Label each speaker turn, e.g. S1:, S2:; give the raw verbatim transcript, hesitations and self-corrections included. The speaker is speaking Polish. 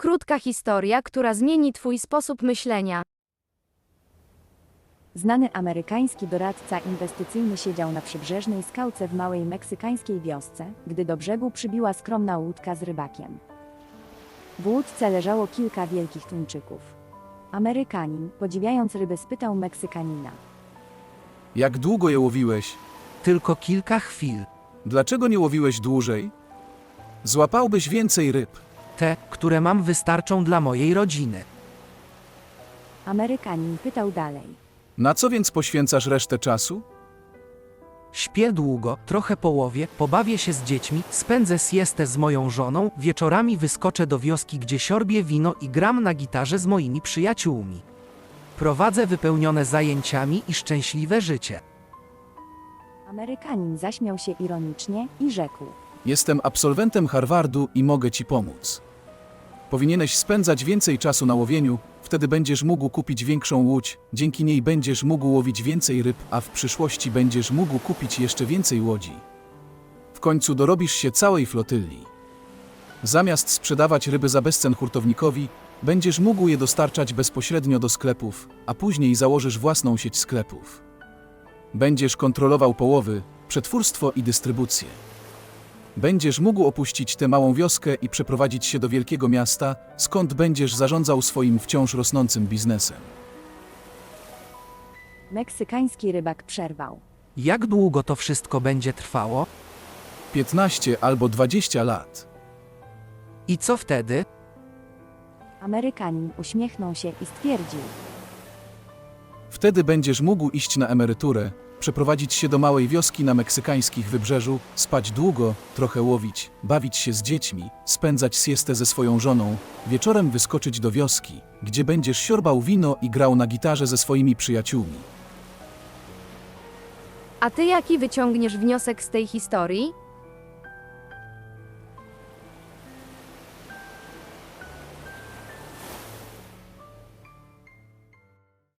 S1: Krótka historia, która zmieni Twój sposób myślenia.
S2: Znany amerykański doradca inwestycyjny siedział na przybrzeżnej skałce w małej meksykańskiej wiosce, gdy do brzegu przybiła skromna łódka z rybakiem. W łódce leżało kilka wielkich tuńczyków. Amerykanin, podziwiając ryby, spytał Meksykanina:
S3: Jak długo je łowiłeś?
S4: Tylko kilka chwil.
S3: Dlaczego nie łowiłeś dłużej? Złapałbyś więcej ryb.
S4: Te, które mam, wystarczą dla mojej rodziny.
S2: Amerykanin pytał dalej:
S3: Na co więc poświęcasz resztę czasu?
S4: Śpię długo, trochę połowię, pobawię się z dziećmi, spędzę siestę z moją żoną, wieczorami wyskoczę do wioski, gdzie siorbię wino i gram na gitarze z moimi przyjaciółmi. Prowadzę wypełnione zajęciami i szczęśliwe życie.
S2: Amerykanin zaśmiał się ironicznie i rzekł:
S3: Jestem absolwentem Harvardu i mogę ci pomóc. Powinieneś spędzać więcej czasu na łowieniu, wtedy będziesz mógł kupić większą łódź, dzięki niej będziesz mógł łowić więcej ryb, a w przyszłości będziesz mógł kupić jeszcze więcej łodzi. W końcu dorobisz się całej flotyli. Zamiast sprzedawać ryby za bezcen hurtownikowi, będziesz mógł je dostarczać bezpośrednio do sklepów, a później założysz własną sieć sklepów. Będziesz kontrolował połowy, przetwórstwo i dystrybucję. Będziesz mógł opuścić tę małą wioskę i przeprowadzić się do wielkiego miasta, skąd będziesz zarządzał swoim wciąż rosnącym biznesem.
S2: Meksykański rybak przerwał:
S4: Jak długo to wszystko będzie trwało?
S3: piętnaście albo dwadzieścia lat.
S4: I co wtedy?
S2: Amerykanin uśmiechnął się i stwierdził:
S3: Wtedy będziesz mógł iść na emeryturę, przeprowadzić się do małej wioski na meksykańskich wybrzeżu, spać długo, trochę łowić, bawić się z dziećmi, spędzać siestę ze swoją żoną, wieczorem wyskoczyć do wioski, gdzie będziesz siorbał wino i grał na gitarze ze swoimi przyjaciółmi.
S1: A Ty jaki wyciągniesz wniosek z tej historii?